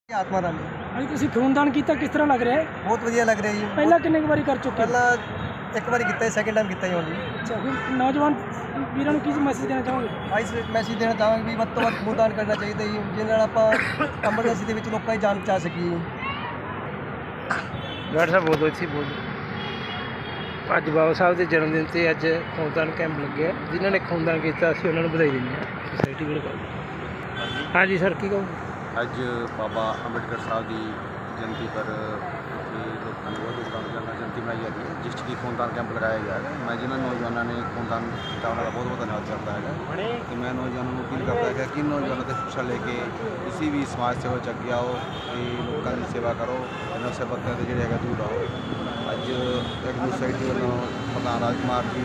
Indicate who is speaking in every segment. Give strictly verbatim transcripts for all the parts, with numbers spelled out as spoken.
Speaker 1: आत्मा राम जी
Speaker 2: अभी तुसी खूनदान किया किस तरह लग रहा है?
Speaker 1: बहुत वधिया लग रहा है जी।
Speaker 2: पहला किन्ने बारी कर चुके?
Speaker 1: पहला एक बार किया, सैकेंड टाइम किया जी हुण।
Speaker 2: अच्छा, फिर नौजवान वीरों को किस मैसेज देना चाहोगे?
Speaker 1: आज मैसेज देना चाहांगे भी ਵੱਧ ਤੋਂ ਵੱਧ ਖੂਨਦਾਨ ਕਰਨਾ ਚਾਹੀਦਾ ਜੀ, ਜਿਹਦੇ ਨਾਲ ਆਪਾਂ ਐਮਰਜੈਂਸੀ ਦੇ ਵਿੱਚ ਲੋਕਾਂ ਦੀ ਜਾਨ ਬਚਾ ਸਕੀਏ।
Speaker 3: ਡਾਕਟਰ ਸਾਹਿਬ ਬਹੁਤ ਅੱਛੀ ਬੋਲ ਅੱਜ ਬਾਬਾ ਸਾਹਿਬ ਦੇ ਜਨਮ ਦਿਨ ਤੇ ਅੱਜ ਖੂਨਦਾਨ ਕੈਂਪ ਲੱਗਿਆ। ਜਿਨ੍ਹਾਂ ਨੇ ਖੂਨਦਾਨ ਕੀਤਾ ਅਸੀਂ ਉਹਨਾਂ ਨੂੰ ਵਧਾਈ ਦਿੰਦੇ ਹਾਂ ਸੋਸਾਇਟੀ ਵੱਲੋਂ। ਹਾਂਜੀ ਸਰ ਕੀ ਕਹੋਗੇ?
Speaker 4: ਅੱਜ ਬਾਬਾ ਅੰਬੇਡਕਰ ਸਾਹਿਬ ਦੀ ਜਯੰਤੀ ਪਰ ਲੋਕਾਂ ਨੇ ਬਹੁਤ ਧੂਮਧਾਮ ਨਾਲ ਜਯੰਤੀ ਮਨਾਈ ਜਾਂਦੀ ਹੈ, ਜਿਸ 'ਚ ਕਿ ਖੂਨਦਾਨ ਕੈਂਪ ਲਗਾਇਆ ਗਿਆ ਹੈ। ਮੈਂ ਜਿਹਨਾਂ ਨੌਜਵਾਨਾਂ ਨੇ ਖੂਨਦਾਨ ਕੀਤਾ ਉਹਨਾਂ ਦਾ ਬਹੁਤ ਬਹੁਤ ਧੰਨਵਾਦ ਕਰਦਾ ਹੈਗਾ ਅਤੇ ਮੈਂ ਨੌਜਵਾਨਾਂ ਨੂੰ ਅਪੀਲ ਕਰਦਾ ਹੈਗਾ ਕਿ ਨੌਜਵਾਨਾਂ ਤੋਂ ਸ਼ਿਕਸ਼ਾ ਲੈ ਕੇ ਕਿਸੇ ਵੀ ਸਮਾਜ ਸੇਵਾ 'ਚ ਅੱਗੇ ਆਓ ਅਤੇ ਲੋਕਾਂ ਦੀ ਸੇਵਾ ਕਰੋ, ਇਹਨਾਂ ਸੇਵਕਾਂ ਦੇ ਜਿਹੜੇ ਹੈਗਾ ਦੂਰ ਆਓ। ਅੱਜ ਇੱਕ ਸੁਸਾਇਟੀ ਵੱਲੋਂ ਪ੍ਰਧਾਨ ਰਾਜਕੁਮਾਰ ਜੀ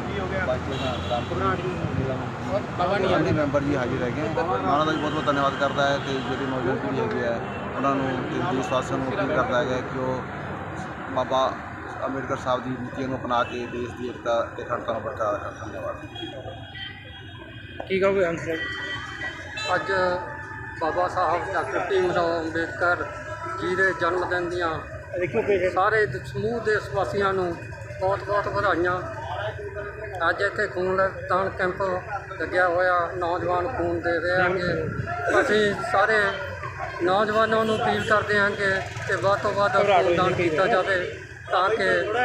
Speaker 4: ਬਾਕੀ ਮੈਂਬਰ ਜੀ ਹਾਜ਼ਰ ਹੈਗੇ, ਮੈਂ ਉਹਨਾਂ ਦਾ ਵੀ ਬਹੁਤ ਬਹੁਤ ਧੰਨਵਾਦ ਕਰਦਾ ਹੈ ਅਤੇ ਜਿਹੜੀ ਨੌਜਵਾਨ ਪੀੜ੍ਹੀ ਹੈਗੀ ਹੈ ਉਹਨਾਂ ਨੂੰ ਅਤੇ ਦੇਸ਼ ਵਾਸੀਆਂ ਨੂੰ ਅਪੀਲ ਕਰਦਾ ਹੈਗਾ ਕਿ ਉਹ ਬਾਬਾ ਅੰਬੇਡਕਰ ਸਾਹਿਬ ਦੀ ਨੀਤੀਆਂ ਨੂੰ ਅਪਣਾ ਕੇ ਦੇਸ਼ ਦੀ ਏਕਤਾ ਅਤੇ ਅਖੰਡਤਾ ਨੂੰ ਬਰਕਰਾਰ ਰੱਖਣ। ਧੰਨਵਾਦ।
Speaker 3: ਕੀ ਕਹੋਗੇ ਅੰਕਲ?
Speaker 5: ਅੱਜ ਬਾਬਾ ਸਾਹਿਬ ਡਾਕਟਰ ਭੀਮ ਰਾਓ ਅੰਬੇਡਕਰ ਜੀ ਦੇ ਜਨਮ ਦਿਨ ਦੀਆਂ ਸਾਰੇ ਸਮੂਹ ਦੇਸ਼ ਵਾਸੀਆਂ ਨੂੰ ਬਹੁਤ ਬਹੁਤ ਵਧਾਈਆਂ। ਅੱਜ ਇੱਥੇ ਖੂਨਦਾਨ ਕੈਂਪ ਲੱਗਿਆ ਹੋਇਆ, ਨੌਜਵਾਨ ਖੂਨ ਦੇ ਰਹੇ ਹੈਗੇ। ਅਸੀਂ ਸਾਰੇ ਨੌਜਵਾਨਾਂ ਨੂੰ ਅਪੀਲ ਕਰਦੇ ਹਾਂ ਕਿ ਵੱਧ ਤੋਂ ਵੱਧ ਖੂਨਦਾਨ ਕੀਤਾ ਜਾਵੇ ਤਾਂ ਕਿ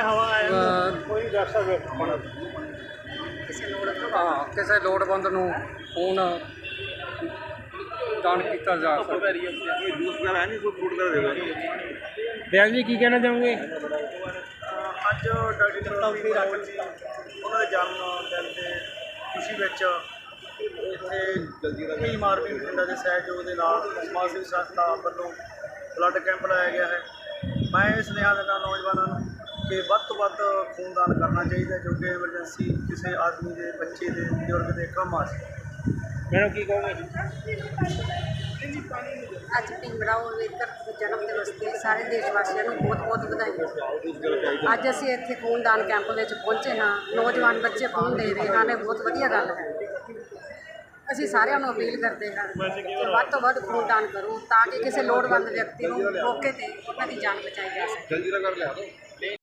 Speaker 5: ਹਾਂ ਕਿਸੇ ਲੋੜਵੰਦ ਨੂੰ ਖੂਨ ਦਾਨ ਕੀਤਾ ਜਾ ਸਕੇ।
Speaker 3: ਬਿਆਨ ਜੀ ਕੀ ਕਹਿਣਾ ਚਾਹੋਗੇ?
Speaker 6: ਅੱਜ ਡਾਕਟਰ ਭੀਮ ਰਾਓ ਜੀ ਉਹਨਾਂ ਦੇ ਜਨਮ ਦਿਨ ਦੇ ਖੁਸ਼ੀ ਵਿੱਚ ਇੱਥੇ ਭੀਮ ਆਰਮੀ ਬਠਿੰਡਾ ਦੇ ਸਹਿਯੋਗ ਦੇ ਨਾਲ ਸਮਾਜ ਸੇਵੀ ਸੰਸਥਾ ਵੱਲੋਂ ਬਲੱਡ ਕੈਂਪ ਲਾਇਆ ਗਿਆ ਹੈ। ਮੈਂ ਇਹ ਸੁਨੇਹਾ ਦਿੰਦਾ ਨੌਜਵਾਨਾਂ ਨੂੰ ਕਿ ਵੱਧ ਤੋਂ ਵੱਧ ਖੂਨਦਾਨ ਕਰਨਾ ਚਾਹੀਦਾ, ਜੋ ਕਿ ਐਮਰਜੈਂਸੀ ਕਿਸੇ ਆਦਮੀ ਦੇ, ਬੱਚੇ ਦੇ, ਬਜ਼ੁਰਗ ਦੇ ਕੰਮ ਆ ਸਕੇ।
Speaker 3: ਮੈਡਮ ਕੀ ਕਹੋਗੇ?
Speaker 7: ਅੱਜ ਭੀਮ ਰਾਓ ਅੰਬੇਡਕਰ ਦੇ ਜਨਮ ਦਿਵਸ 'ਤੇ ਸਾਰੇ ਦੇਸ਼ ਵਾਸੀਆਂ ਨੂੰ ਬਹੁਤ ਬਹੁਤ ਵਧਾਈਆਂ। ਅੱਜ ਅਸੀਂ ਇੱਥੇ ਖੂਨਦਾਨ ਕੈਂਪ ਵਿੱਚ ਪਹੁੰਚੇ ਹਾਂ, ਨੌਜਵਾਨ ਬੱਚੇ ਖੂਨ ਦੇ ਰਹੇ ਹਨ, ਇਹ ਬਹੁਤ ਵਧੀਆ ਗੱਲ ਹੈ। ਅਸੀਂ ਸਾਰਿਆਂ ਨੂੰ ਅਪੀਲ ਕਰਦੇ ਹਾਂ ਕਿ ਵੱਧ ਤੋਂ ਵੱਧ ਖੂਨਦਾਨ ਕਰੋ ਤਾਂ ਕਿ ਕਿਸੇ ਲੋੜਵੰਦ ਵਿਅਕਤੀ ਨੂੰ ਮੌਕੇ 'ਤੇ ਉਹਨਾਂ ਦੀ ਜਾਨ ਬਚਾਈ ਜਾ ਸਕੇ।